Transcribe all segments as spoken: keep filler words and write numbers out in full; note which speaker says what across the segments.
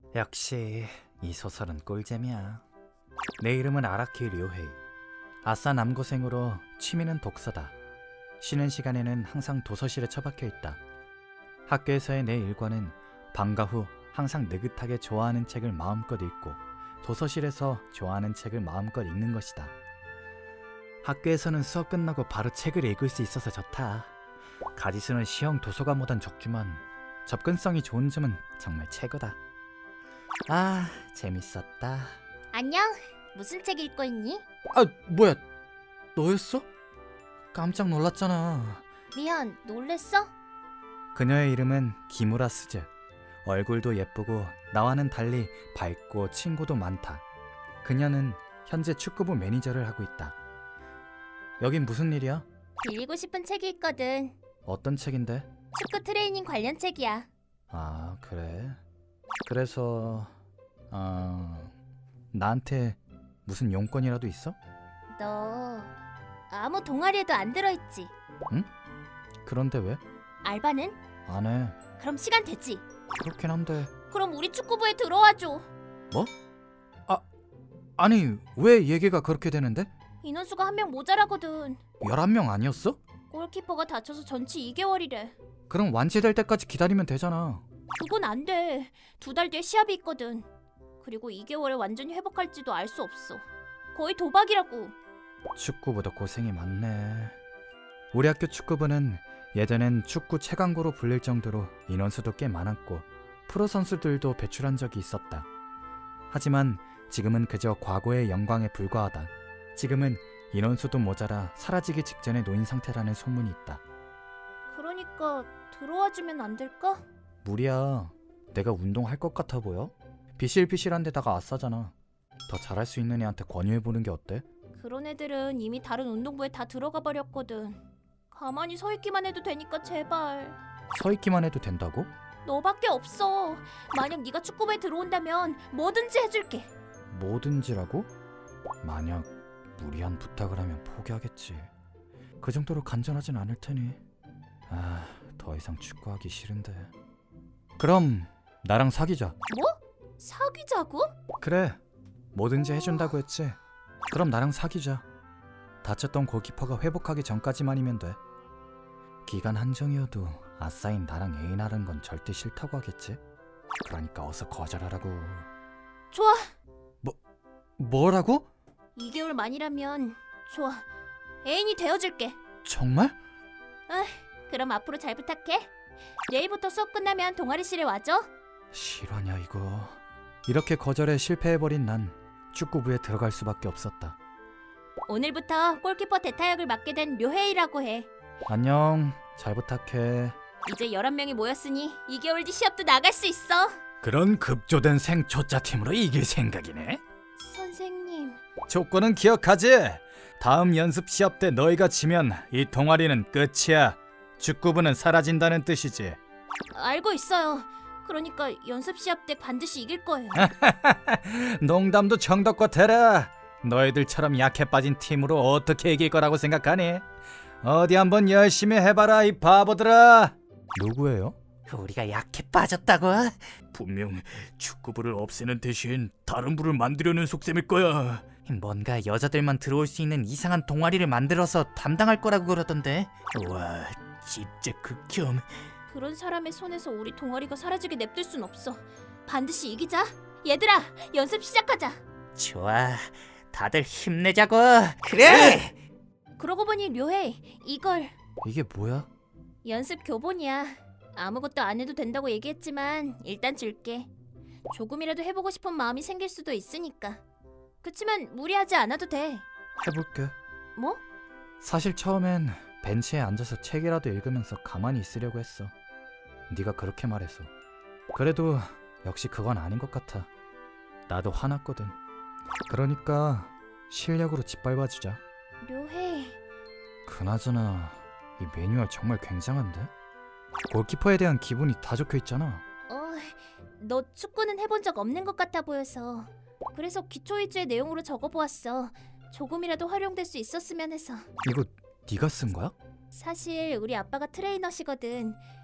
Speaker 1: 역시 이 소설은 꿀잼이야. 내 이름은 아라키 료헤이. 아싸 남고생으로 취미는 독서다. 쉬는 시간에는 항상 도서실에 처박혀 있다. 학교에서의 내 일과는 방과 후 항상 느긋하게 좋아하는 책을 마음껏 읽고 도서실에서 좋아하는 책을 마음껏 읽는 것이다. 학교에서는 수업 끝나고 바로 책을 읽을 수 있어서 좋다. 가지수는 시형 도서관보단 적지만 접근성이 좋은 점은 정말 최고다. 아, 재밌었다.
Speaker 2: 안녕. 무슨 책 읽고 있니?
Speaker 1: 아, 뭐야? 너였어? 깜짝 놀랐잖아.
Speaker 2: 미안, 놀랬어?
Speaker 1: 그녀의 이름은 기무라 스즈. 얼굴도 예쁘고 나와는 달리 밝고 친구도 많다. 그녀는 현재 축구부 매니저를 하고 있다. 여긴 무슨 일이야?
Speaker 2: 빌리고 싶은 책이 있거든.
Speaker 1: 어떤 책인데?
Speaker 2: 축구 트레이닝 관련 책이야.
Speaker 1: 아, 그래? 그래서 어... 나한테 무슨 용건이라도 있어?
Speaker 2: 너 아무 동아리에도 안 들어있지?
Speaker 1: 그런데 왜?
Speaker 2: 알바는?
Speaker 1: 안 해.
Speaker 2: 그럼 시간 되지?
Speaker 1: 그렇긴 한데.
Speaker 2: 그럼 우리 축구부에 들어와줘.
Speaker 1: 뭐? 아, 아니 왜 얘기가 그렇게 되는데?
Speaker 2: 인원수가 한 명 모자라거든.
Speaker 1: 열한 명 아니었어?
Speaker 2: 골키퍼가 다쳐서 전치 이 개월이래.
Speaker 1: 그럼 완치될 때까지 기다리면 되잖아.
Speaker 2: 그건 안 돼. 두 달 뒤에 시합이 있거든. 그리고 이 개월에 완전히 회복할지도 알 수 없어. 거의 도박이라고.
Speaker 1: 축구부도 고생이 많네. 우리 학교 축구부는 예전엔 축구 최강고로 불릴 정도로 인원수도 꽤 많았고 프로 선수들도 배출한 적이 있었다. 하지만 지금은 그저 과거의 영광에 불과하다. 지금은 인원수도 모자라 사라지기 직전에 놓인 상태라는 소문이 있다.
Speaker 2: 그러니까 들어와주면 안 될까?
Speaker 1: 무리야. 내가 운동할 것 같아 보여? 비실비실한 데다가 아싸잖아. 더 잘할 수 있는 애한테 권유해보는 게 어때?
Speaker 2: 그런 애들은 이미 다른 운동부에 다 들어가 버렸거든. 가만히 서 있기만 해도 되니까 제발.
Speaker 1: 서 있기만 해도 된다고?
Speaker 2: 너밖에 없어. 만약 네가 축구부에 들어온다면 뭐든지 해줄게.
Speaker 1: 뭐든지라고? 만약 무리한 부탁을 하면 포기하겠지. 그 정도로 간절하진 않을 테니. 아, 더 이상 축구하기 싫은데. 그럼 나랑 사귀자.
Speaker 2: 뭐? 사귀자고?
Speaker 1: 그래, 뭐든지 해준다고 했지. 그럼 나랑 사귀자. 다쳤던 골키퍼가 회복하기 전까지만이면 돼. 기간 한정이어도 아싸인 나랑 애인하는 건 절대 싫다고 하겠지. 그러니까 어서 거절하라고.
Speaker 2: 좋아.
Speaker 1: 뭐, 뭐라고?
Speaker 2: 이 개월 만이라면 좋아. 애인이 되어줄게.
Speaker 1: 정말?
Speaker 2: 그럼 앞으로 잘 부탁해. 내일부터 수업 끝나면 동아리실에 와줘.
Speaker 1: 실화냐 이거. 이렇게 거절에 실패해버린 난 축구부에 들어갈 수밖에 없었다.
Speaker 2: 오늘부터 골키퍼 대타역을 맡게 된 료헤이라고 해.
Speaker 1: 안녕, 잘 부탁해.
Speaker 2: 이제 열한 명이 모였으니 이 개월 뒤 시합도 나갈 수 있어.
Speaker 1: 그런 급조된 생초짜팀으로 이길 생각이네?
Speaker 2: 선생님.
Speaker 1: 조건은 기억하지? 다음 연습 시합 때 너희가 지면 이 동아리는 끝이야. 축구부는 사라진다는 뜻이지.
Speaker 2: 알고 있어요. 그러니까 연습 시합 때 반드시 이길 거예요.
Speaker 1: 농담도 정덕과 대라. 너희들처럼 약해 빠진 팀으로 어떻게 이길 거라고 생각하니? 어디 한번 열심히 해봐라 이 바보들아. 누구예요?
Speaker 3: 우리가 약해 빠졌다고?
Speaker 1: 분명 축구부를 없애는 대신 다른 부를 만들려는 속셈일 거야.
Speaker 3: 뭔가 여자들만 들어올 수 있는 이상한 동아리를 만들어서 담당할 거라고 그러던데.
Speaker 1: 와, 진짜 극혐.
Speaker 2: 그런 사람의 손에서 우리 동아리가 사라지게 냅둘 순 없어. 반드시 이기자. 얘들아, 연습 시작하자.
Speaker 3: 좋아, 다들 힘내자고. 그래!
Speaker 2: 그러고 보니 료헤이, 이걸
Speaker 1: 이게 뭐야?
Speaker 2: 연습 교본이야. 아무것도 안 해도 된다고 얘기했지만 일단 줄게. 조금이라도 해보고 싶은 마음이 생길 수도 있으니까. 그치만 무리하지 않아도 돼.
Speaker 1: 해볼게.
Speaker 2: 뭐?
Speaker 1: 사실 처음엔 벤치에 앉아서 책이라도 읽으면서 가만히 있으려고 했어. 네가 그렇게 말해서. 그래도 역시 그건 아닌 것 같아. 나도 화났거든. 그러니까 실력으로 짓밟아주자.
Speaker 2: 료헤이.
Speaker 1: 그나저나 이 매뉴얼 정말 굉장한데? 골키퍼에 대한 기분이 다 적혀있잖아.
Speaker 2: 어, 너 축구는 해본 적 없는 것 같아 보여서. 그래서 기초 위주의 내용으로 적어보았어. 조금이라도 활용될 수 있었으면 해서.
Speaker 1: 이거 네가 쓴 거야?
Speaker 2: 사실 우리 아빠가 트레이너시거든.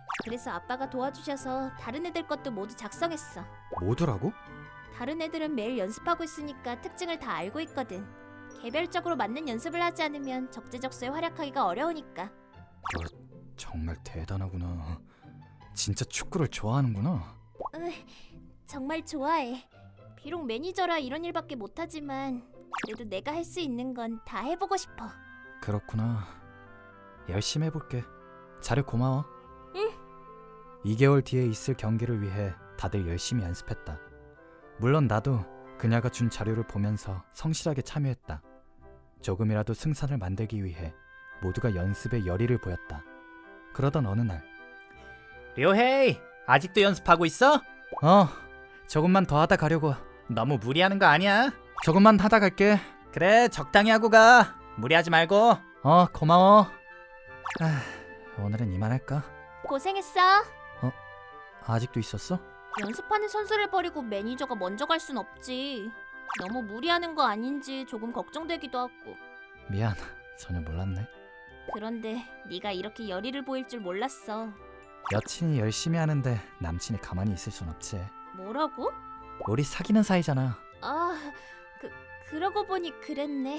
Speaker 2: 그래서 아빠가 도와주셔서 다른 애들 것도 모두 작성했어.
Speaker 1: 모두라고?
Speaker 2: 다른 애들은 매일 연습하고 있으니까 특징을 다 알고 있거든. 개별적으로 맞는 연습을 하지 않으면 적재적소에 활약하기가 어려우니까.
Speaker 1: 정말 대단하구나. 진짜 축구를 좋아하는구나.
Speaker 2: 으, 정말 좋아해. 비록 매니저라 이런 일밖에 못하지만 그래도 내가 할 수 있는 건 다 해보고 싶어.
Speaker 1: 그렇구나. 열심히 해볼게. 자료 고마워.
Speaker 2: 응.
Speaker 1: 이 개월 뒤에 있을 경기를 위해 다들 열심히 연습했다. 물론 나도 그녀가 준 자료를 보면서 성실하게 참여했다. 조금이라도 승산을 만들기 위해 모두가 연습에 열의를 보였다. 그러던 어느 날,
Speaker 3: 료헤이, 아직도 연습하고 있어?
Speaker 1: 어, 조금만 더 하다 가려고.
Speaker 3: 너무 무리하는 거 아니야?
Speaker 1: 조금만 하다 갈게.
Speaker 3: 그래, 적당히 하고 가. 무리하지 말고.
Speaker 1: 어, 고마워. 아, 오늘은 이만할까?
Speaker 2: 고생했어.
Speaker 1: 아직도 있었어?
Speaker 2: 연습하는 선수를 버리고 매니저가 먼저 갈 순 없지. 너무 무리하는 거 아닌지 조금 걱정되기도 하고.
Speaker 1: 미안, 전혀 몰랐네.
Speaker 2: 그런데 네가 이렇게 열의를 보일 줄 몰랐어.
Speaker 1: 여친이 열심히 하는데 남친이 가만히 있을 순 없지.
Speaker 2: 뭐라고?
Speaker 1: 우리 사귀는 사이잖아.
Speaker 2: 아, 그 그러고 보니 그랬네.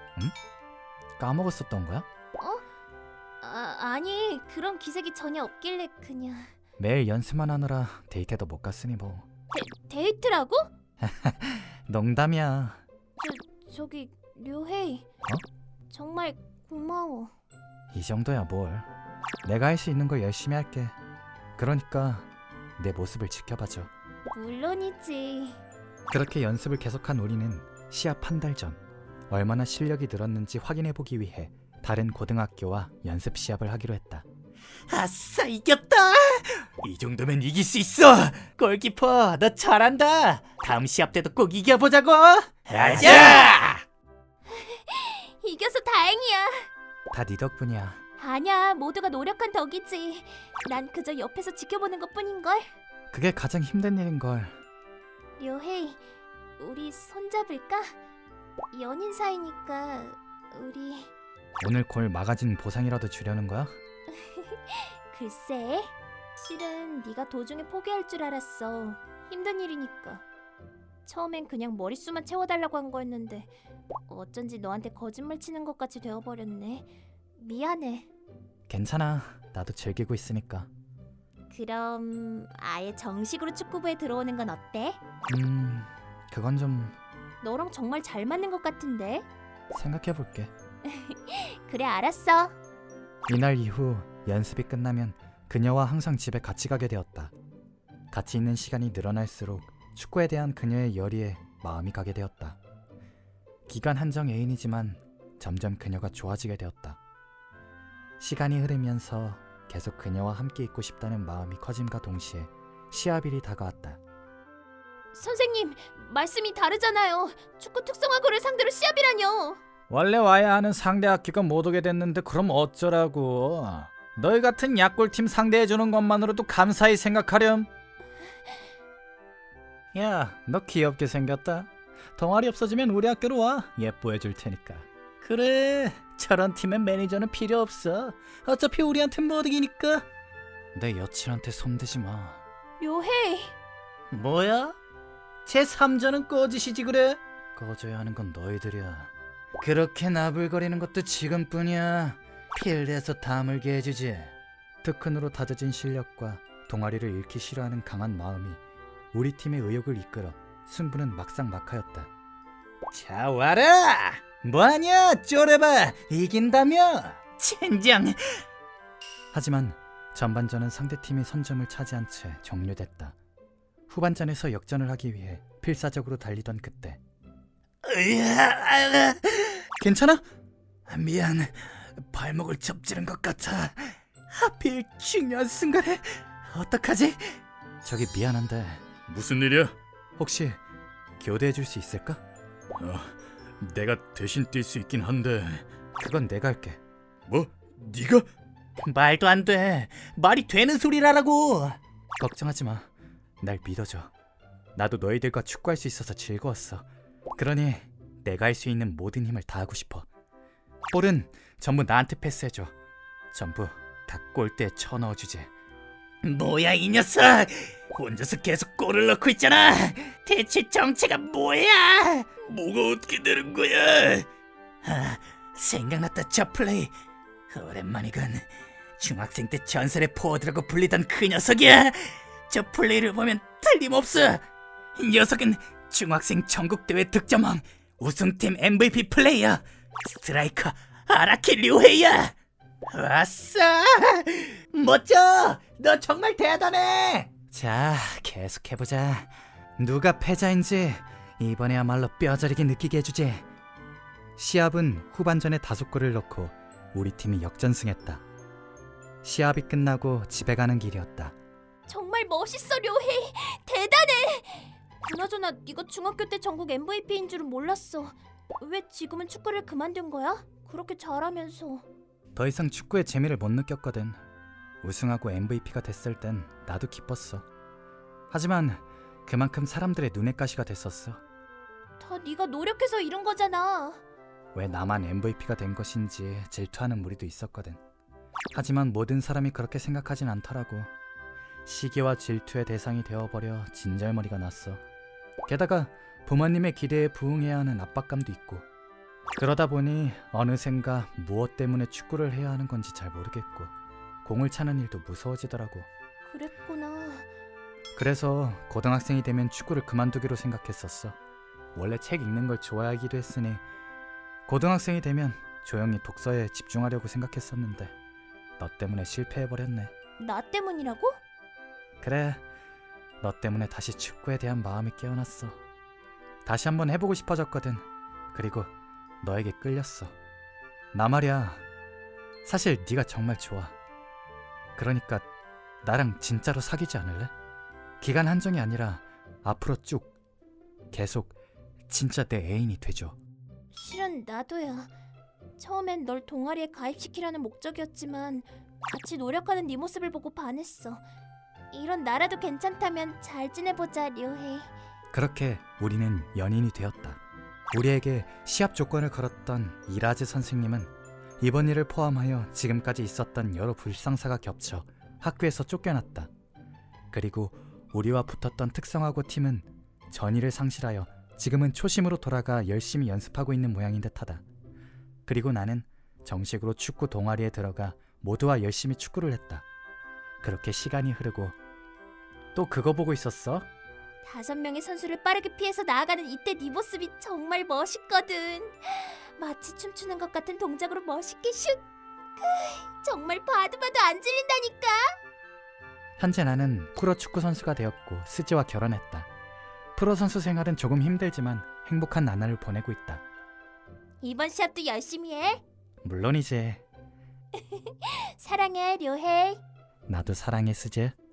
Speaker 1: 까먹었었던 거야?
Speaker 2: 아, 아니 그런 기색이 전혀 없길래 그냥.
Speaker 1: 매일 연습만 하느라 데이트도 못 갔으니 뭐.
Speaker 2: 데이트라고?
Speaker 1: 농담이야.
Speaker 2: 저기 료헤이. 정말 고마워.
Speaker 1: 이 정도야 뭘. 내가 할 수 있는 걸 열심히 할게. 그러니까 내 모습을 지켜봐줘.
Speaker 2: 물론이지.
Speaker 1: 그렇게 연습을 계속한 우리는 시합 한 달 전 얼마나 실력이 늘었는지 확인해보기 위해 다른 고등학교와 연습 시합을 하기로 했다.
Speaker 3: 아싸, 이겼다. 이 정도면 이길 수 있어. 골키퍼, 너 잘한다. 다음 시합 때도 꼭 이겨보자고. 가자.
Speaker 2: 이겨서 다행이야.
Speaker 1: 다 네 덕분이야.
Speaker 2: 아니야, 모두가 노력한 덕이지. 난 그저 옆에서 지켜보는 것뿐인걸.
Speaker 1: 그게 가장 힘든 일인걸.
Speaker 2: 료헤이, 우리 손잡을까? 연인 사이니까 우리...
Speaker 1: 오늘 골 막아진 보상이라도 주려는 거야?
Speaker 2: 글쎄, 실은 네가 도중에 포기할 줄 알았어. 힘든 일이니까. 처음엔 그냥 머릿수만 채워달라고 한 거였는데 어쩐지 너한테 거짓말 치는 것 같이 되어버렸네. 미안해.
Speaker 1: 괜찮아. 나도 즐기고 있으니까.
Speaker 2: 그럼 아예 정식으로 축구부에 들어오는 건 어때?
Speaker 1: 음... 그건 좀
Speaker 2: 너랑 정말 잘 맞는 것 같은데?
Speaker 1: 생각해볼게.
Speaker 2: 그래, 알았어.
Speaker 1: 이날 이후 연습이 끝나면 그녀와 항상 집에 같이 가게 되었다. 같이 있는 시간이 늘어날수록 축구에 대한 그녀의 열의에 마음이 가게 되었다. 기간 한정 애인이지만 점점 그녀가 좋아지게 되었다. 시간이 흐르면서 계속 그녀와 함께 있고 싶다는 마음이 커짐과 동시에 시합일이 다가왔다.
Speaker 2: 선생님, 말씀이 다르잖아요. 축구 특성화고를 상대로 시합이라뇨.
Speaker 1: 원래 와야 하는 상대 학교가 못 오게 됐는데 그럼 어쩌라고. 너희 같은 약골팀 상대해주는 것만으로도 감사히 생각하렴. 야, 너 귀엽게 생겼다. 동아리 없어지면 우리 학교로 와. 예뻐해줄 테니까. 그래, 저런 팀엔 매니저는 필요 없어. 어차피 우리한텐 못 이기니까. 내 여친한테 손대지 마.
Speaker 2: 료헤이.
Speaker 1: 뭐야? 제삼 자는 꺼지시지 그래? 꺼져야 하는 건 너희들이야. 그렇게 나불거리는 것도 지금뿐이야. 필드에서 다물게 해주지. 특훈으로 다져진 실력과 동아리를 잃기 싫어하는 강한 마음이 우리 팀의 의욕을 이끌어 승부는 막상막하였다.
Speaker 3: 자, 와라. 뭐하냐, 쪼레봐. 이긴다며. 젠장.
Speaker 1: 하지만 전반전은 상대팀이 선점을 차지한 채 종료됐다. 후반전에서 역전을 하기 위해 필사적으로 달리던 그때.
Speaker 3: 으아,
Speaker 1: 괜찮아?
Speaker 3: 미안. 발목을 접지른 것 같아. 하필 중요한 순간에. 어떡하지?
Speaker 1: 저기 미안한데
Speaker 3: 무슨 일이야?
Speaker 1: 혹시 교대해 줄 수 있을까?
Speaker 3: 어, 내가 대신 뛸 수 있긴 한데.
Speaker 1: 그건 내가 할게.
Speaker 3: 뭐? 네가? 말도 안 돼. 말이 되는 소리라라고.
Speaker 1: 걱정하지 마. 날 믿어줘. 나도 너희들과 축구할 수 있어서 즐거웠어. 그러니 내가 할 수 있는 모든 힘을 다하고 싶어. 볼은 전부 나한테 패스해줘. 전부 다 골대에 쳐넣어주지.
Speaker 3: 뭐야 이 녀석! 혼자서 계속 골을 넣고 있잖아. 대체 정체가 뭐야? 뭐가 어떻게 되는 거야? 아, 생각났다. 저 플레이 오랜만이군. 중학생 때 전설의 포워드라고 불리던 그 녀석이야. 저 플레이를 보면 틀림없어. 이 녀석은 중학생 전국대회 득점왕, 우승팀 엠브이피 플레이어, 스트라이커 아라키 류헤이야. 아싸! 멋져! 너 정말 대단해!
Speaker 1: 자, 계속해보자. 누가 패자인지 이번에야말로 뼈저리게 느끼게 해주지. 시합은 후반전에 다섯 골을 넣고 우리 팀이 역전승했다. 시합이 끝나고 집에 가는 길이었다.
Speaker 2: 정말 멋있어, 료헤이. 대단해. 그나저나 네가 중학교 때 전국 엠브이피인 줄은 몰랐어. 왜 지금은 축구를 그만둔 거야? 그렇게 잘하면서.
Speaker 1: 더 이상 축구의 재미를 못 느꼈거든. 우승하고 엠브이피가 됐을 땐 나도 기뻤어. 하지만 그만큼 사람들의 눈엣 가시가 됐었어.
Speaker 2: 다 네가 노력해서 이룬 거잖아.
Speaker 1: 왜 나만 엠브이피가 된 것인지 질투하는 무리도 있었거든. 하지만 모든 사람이 그렇게 생각하진 않더라고. 시기와 질투의 대상이 되어버려 진절머리가 났어. 게다가 부모님의 기대에 부응해야 하는 압박감도 있고. 그러다 보니 어느샌가 무엇 때문에 축구를 해야 하는 건지 잘 모르겠고 공을 차는 일도 무서워지더라고.
Speaker 2: 그랬구나.
Speaker 1: 그래서 고등학생이 되면 축구를 그만두기로 생각했었어. 원래 책 읽는 걸 좋아하기도 했으니 고등학생이 되면 조용히 독서에 집중하려고 생각했었는데 너 때문에 실패해버렸네.
Speaker 2: 나 때문이라고?
Speaker 1: 그래, 너 때문에 다시 축구에 대한 마음이 깨어났어. 다시 한번 해보고 싶어졌거든. 그리고 너에게 끌렸어. 나 말이야, 사실 네가 정말 좋아. 그러니까 나랑 진짜로 사귀지 않을래? 기간 한정이 아니라 앞으로 쭉 계속 진짜 내 애인이 되줘.
Speaker 2: 실은 나도야. 처음엔 널 동아리에 가입시키려는 목적이었지만 같이 노력하는 네 모습을 보고 반했어. 이런 나라도 괜찮다면 잘 지내보자, 료헤이.
Speaker 1: 그렇게 우리는 연인이 되었다. 우리에게 시합 조건을 걸었던 이라즈 선생님은 이번 일을 포함하여 지금까지 있었던 여러 불상사가 겹쳐 학교에서 쫓겨났다. 그리고 우리와 붙었던 특성화고 팀은 전의를 상실하여 지금은 초심으로 돌아가 열심히 연습하고 있는 모양인 듯하다. 그리고 나는 정식으로 축구 동아리에 들어가 모두와 열심히 축구를 했다. 그렇게 시간이 흐르고 또 그거 보고 있었어?
Speaker 2: 다섯 명의 선수를 빠르게 피해서 나아가는 이때 네 모습이 정말 멋있거든. 마치 춤추는 것 같은 동작으로 멋있게 슛. 그, 정말 봐도 봐도 안 질린다니까.
Speaker 1: 현재 나는 프로 축구 선수가 되었고 스즈와 결혼했다. 프로 선수 생활은 조금 힘들지만 행복한 나날을 보내고 있다.
Speaker 2: 이번 시합도 열심히 해.
Speaker 1: 물론이지.
Speaker 2: 사랑해, 료헤이.
Speaker 1: 나도 사랑해, 스즈.